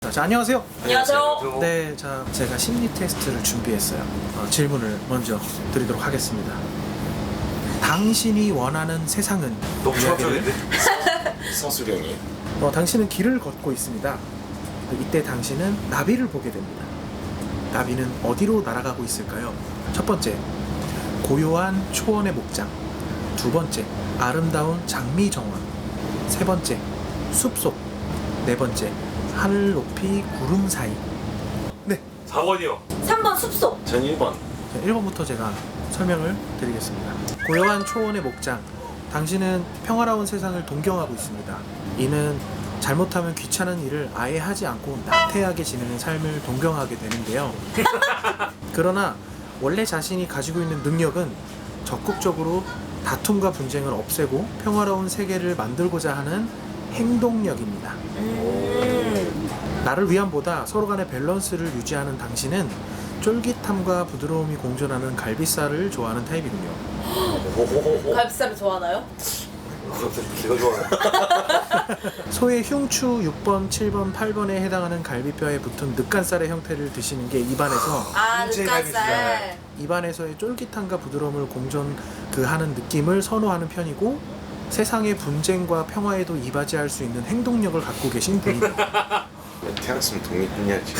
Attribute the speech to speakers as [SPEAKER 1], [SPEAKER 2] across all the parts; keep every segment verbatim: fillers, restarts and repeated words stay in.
[SPEAKER 1] 자, 안녕하세요.
[SPEAKER 2] 안녕하세요.
[SPEAKER 1] 네, 자, 제가 심리 테스트를 준비했어요. 어, 질문을 먼저 드리도록 하겠습니다. 당신이 원하는 세상은?
[SPEAKER 2] 너무 추억적인데?
[SPEAKER 3] 성수령이
[SPEAKER 1] 어, 당신은 길을 걷고 있습니다. 이때 당신은 나비를 보게 됩니다. 나비는 어디로 날아가고 있을까요? 첫 번째, 고요한 초원의 목장. 두 번째, 아름다운 장미 정원. 세 번째, 숲속. 네 번째, 하늘 높이 구름 사이. 네,
[SPEAKER 2] 사 번이요.
[SPEAKER 4] 삼 번 숲속.
[SPEAKER 3] 전 일 번
[SPEAKER 1] 일 번부터 제가 설명을 드리겠습니다. 고요한 초원의 목장. 당신은 평화로운 세상을 동경하고 있습니다. 이는 잘못하면 귀찮은 일을 아예 하지 않고 나태하게 지내는 삶을 동경하게 되는데요. 그러나 원래 자신이 가지고 있는 능력은 적극적으로 다툼과 분쟁을 없애고 평화로운 세계를 만들고자 하는 행동력입니다.
[SPEAKER 4] 음.
[SPEAKER 1] 나를 위함보다 서로 간의 밸런스를 유지하는 당신은 쫄깃함과 부드러움이 공존하는 갈비살을 좋아하는 타입이군요.
[SPEAKER 2] 호호호호.
[SPEAKER 4] 갈비살을 좋아하나요?
[SPEAKER 2] 제가 좋아하는.
[SPEAKER 1] 소의 흉추 육 번, 칠 번, 팔 번에 해당하는 갈비뼈에 붙은 늑간살의 형태를 드시는 게 입안에서
[SPEAKER 4] 아,
[SPEAKER 2] 인체
[SPEAKER 4] 늑간살.
[SPEAKER 2] 갈비살.
[SPEAKER 1] 입안에서의 쫄깃함과 부드러움을 공존 그 하는 느낌을 선호하는 편이고 세상의 분쟁과 평화에도 이바지할 수 있는 행동력을 갖고 계신 분입니다.
[SPEAKER 3] 태어났으면 독립군이었지.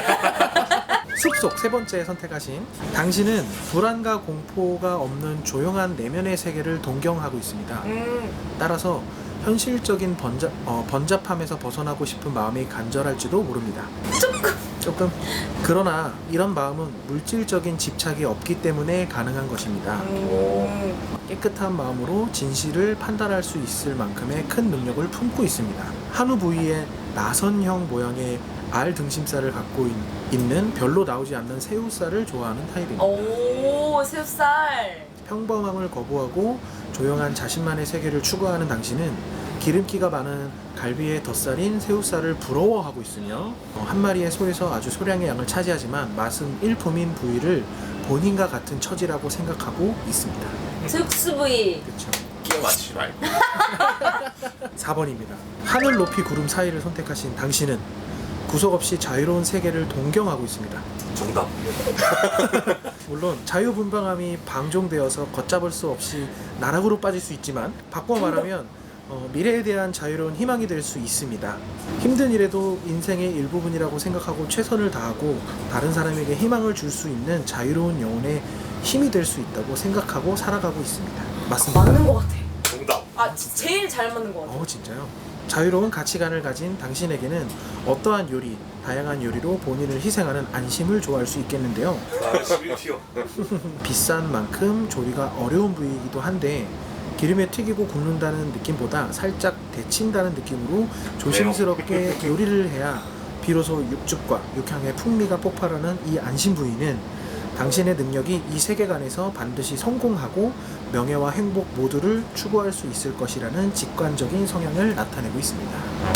[SPEAKER 1] 숲속 세 번째 선택하신 당신은 불안과 공포가 없는 조용한 내면의 세계를 동경하고 있습니다.
[SPEAKER 4] 음.
[SPEAKER 1] 따라서 현실적인 번잡, 어, 번잡함에서 벗어나고 싶은 마음이 간절할지도 모릅니다.
[SPEAKER 4] 조금.
[SPEAKER 1] 조금. 그러나 이런 마음은 물질적인 집착이 없기 때문에 가능한 것입니다.
[SPEAKER 4] 음.
[SPEAKER 1] 깨끗한 마음으로 진실을 판단할 수 있을 만큼의 큰 능력을 품고 있습니다. 한우 부위에 나선형 모양의 알 등심살을 갖고 있, 있는 별로 나오지 않는 새우살을 좋아하는 타입입니다.
[SPEAKER 4] 오, 새우살.
[SPEAKER 1] 평범함을 거부하고 조용한 자신만의 세계를 추구하는 당신은 기름기가 많은 갈비의 덧살인 새우살을 부러워하고 있으며 어, 한 마리의 소에서 아주 소량의 양을 차지하지만 맛은 일품인 부위를 본인과 같은 처지라고 생각하고 있습니다.
[SPEAKER 4] 새우스 부위.
[SPEAKER 1] 그렇죠.
[SPEAKER 3] 끼워 맞추지 말고.
[SPEAKER 1] 사 번입니다. 하늘 높이 구름 사이를 선택하신 당신은 구속 없이 자유로운 세계를 동경하고 있습니다.
[SPEAKER 2] 정답.
[SPEAKER 1] 물론 자유분방함이 방종되어서 걷잡을 수 없이 나락으로 빠질 수 있지만 바꿔 말하면 어, 미래에 대한 자유로운 희망이 될 수 있습니다. 힘든 일에도 인생의 일부분이라고 생각하고 최선을 다하고 다른 사람에게 희망을 줄 수 있는 자유로운 영혼의 힘이 될 수 있다고 생각하고 살아가고 있습니다. 맞습니다.
[SPEAKER 4] 맞는 것 같아.
[SPEAKER 2] 정답.
[SPEAKER 4] 아, 지- 제일 잘 맞는 것 같아.
[SPEAKER 1] 어 진짜요? 자유로운 가치관을 가진 당신에게는 어떠한 요리, 다양한 요리로 본인을 희생하는 안심을 좋아할 수 있겠는데요.
[SPEAKER 2] 나 십일 티어.
[SPEAKER 1] 비싼 만큼 조리가 어려운 부위이기도 한데 기름에 튀기고 굽는다는 느낌보다 살짝 데친다는 느낌으로 조심스럽게 요리를 해야 비로소 육즙과 육향의 풍미가 폭발하는 이 안심 부위는 당신의 능력이 이 세계관에서 반드시 성공하고 명예와 행복 모두를 추구할 수 있을 것이라는 직관적인 성향을 나타내고 있습니다.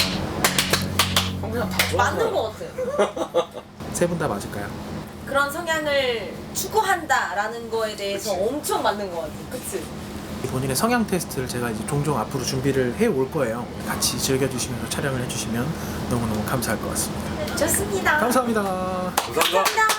[SPEAKER 3] 그냥 다 좋아.
[SPEAKER 4] 맞는 것 같아.
[SPEAKER 1] 세 분 다 맞을까요?
[SPEAKER 4] 그런 성향을 추구한다라는 거에 대해서
[SPEAKER 2] 그치.
[SPEAKER 4] 엄청 맞는 것 같아. 그치?
[SPEAKER 1] 본인의 성향 테스트를 제가 이제 종종 앞으로 준비를 해 올 거예요. 같이 즐겨주시면서 촬영을 해주시면 너무너무 감사할 것 같습니다.
[SPEAKER 4] 좋습니다.
[SPEAKER 1] 감사합니다.
[SPEAKER 2] 감사합니다.
[SPEAKER 4] 감사합니다.